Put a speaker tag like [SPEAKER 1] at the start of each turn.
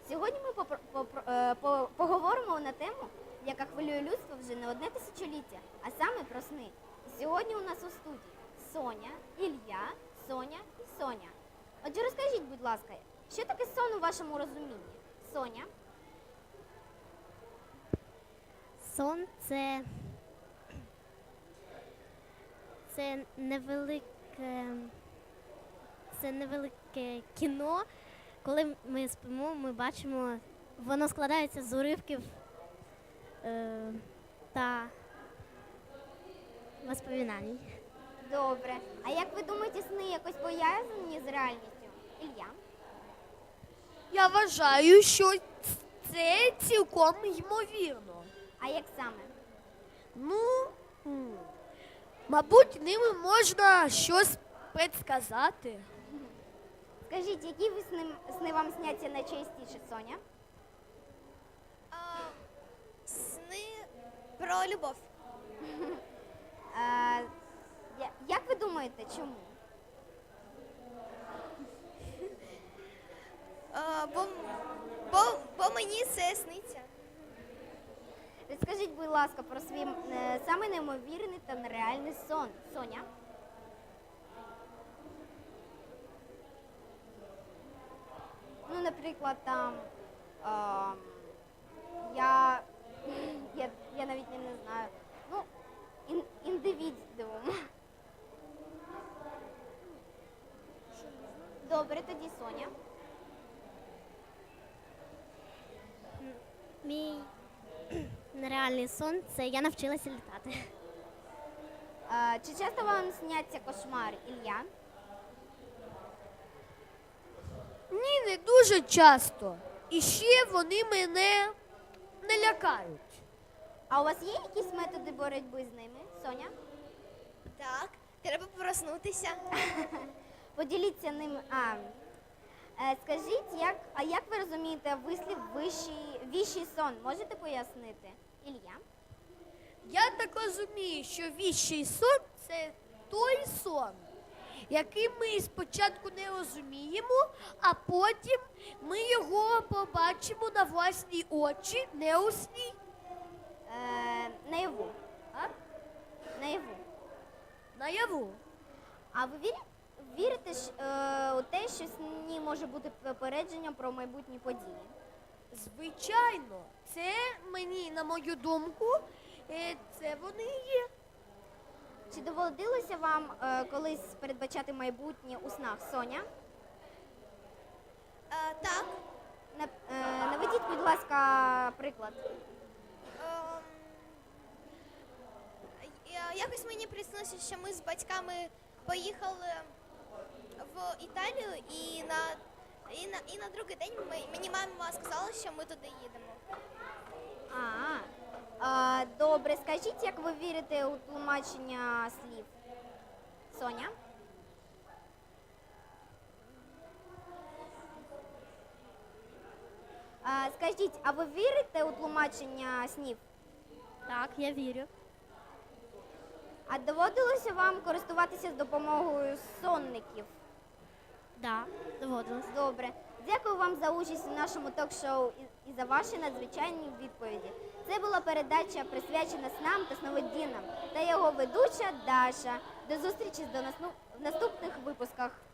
[SPEAKER 1] Сьогодні ми поговоримо на тему, яка хвилює людство вже не одне тисячоліття, а саме про сни. І сьогодні у нас у студії Соня, Ілля, Соня і Соня. Отже, розкажіть, будь ласка, що таке сон у вашому розумінні? Соня?
[SPEAKER 2] Сон це невелике кіно. Коли ми спимо, ми бачимо, воно складається з уривків та воспоминань.
[SPEAKER 1] Добре. А як ви думаєте, сни якось пов'язані з реальністю? Ілля?
[SPEAKER 3] Я вважаю, що це цілком ймовірно.
[SPEAKER 1] А як саме?
[SPEAKER 3] Мабуть, ними можна щось предсказати.
[SPEAKER 1] Скажіть, які ви сни вам сняться найчастіше, Соня?
[SPEAKER 4] Сни про любов.
[SPEAKER 1] Як ви думаєте, чому?
[SPEAKER 4] Бо мені це сниться.
[SPEAKER 1] Розкажіть, будь ласка, про свій самий неймовірний та нереальний сон. Соня? Ну, наприклад, там я навіть не знаю. Ну, індивідуум. Добре, тоді Соня.
[SPEAKER 2] Мій нереальний сон – це я навчилася літати.
[SPEAKER 1] Чи часто вам сняться кошмари, Ілля?
[SPEAKER 3] Ні, не дуже часто. І ще вони мене не лякають.
[SPEAKER 1] А у вас є якісь методи боротьби з ними, Соня?
[SPEAKER 4] Так, треба проснутися.
[SPEAKER 1] Поділіться ним. Скажіть, як ви розумієте вислів віщий сон? Можете пояснити? Ілля?
[SPEAKER 3] Я так розумію, що віщий сон – це той сон, який ми спочатку не розуміємо, а потім ми його побачимо на власні очі, не у сні.
[SPEAKER 1] Наяву.
[SPEAKER 3] А?
[SPEAKER 1] Наяву.
[SPEAKER 3] Наяву.
[SPEAKER 1] А ви вірите у те, що сні може бути попередженням про майбутні події?
[SPEAKER 3] Звичайно, це мені, на мою думку, це вони і є.
[SPEAKER 1] Чи доводилося вам колись передбачати майбутнє у снах, Соня?
[SPEAKER 4] Так.
[SPEAKER 1] Наведіть, будь ласка, приклад.
[SPEAKER 4] Якось мені приснилося, що ми з батьками поїхали в Італію і на другий день мені мама сказала, що ми туди їдемо.
[SPEAKER 1] Добре, скажіть, як ви вірите у тлумачення слів? Соня? Скажіть, а ви вірите у тлумачення снів?
[SPEAKER 2] Так, я вірю.
[SPEAKER 1] А доводилося вам користуватися з допомогою сонників?
[SPEAKER 2] Так, доводилось.
[SPEAKER 1] Добре. Дякую вам за участь у нашому ток-шоу і за ваші надзвичайні відповіді. Це була передача, присвячена снам та сновидінням, та його ведуча Даша. До зустрічі в наступних випусках.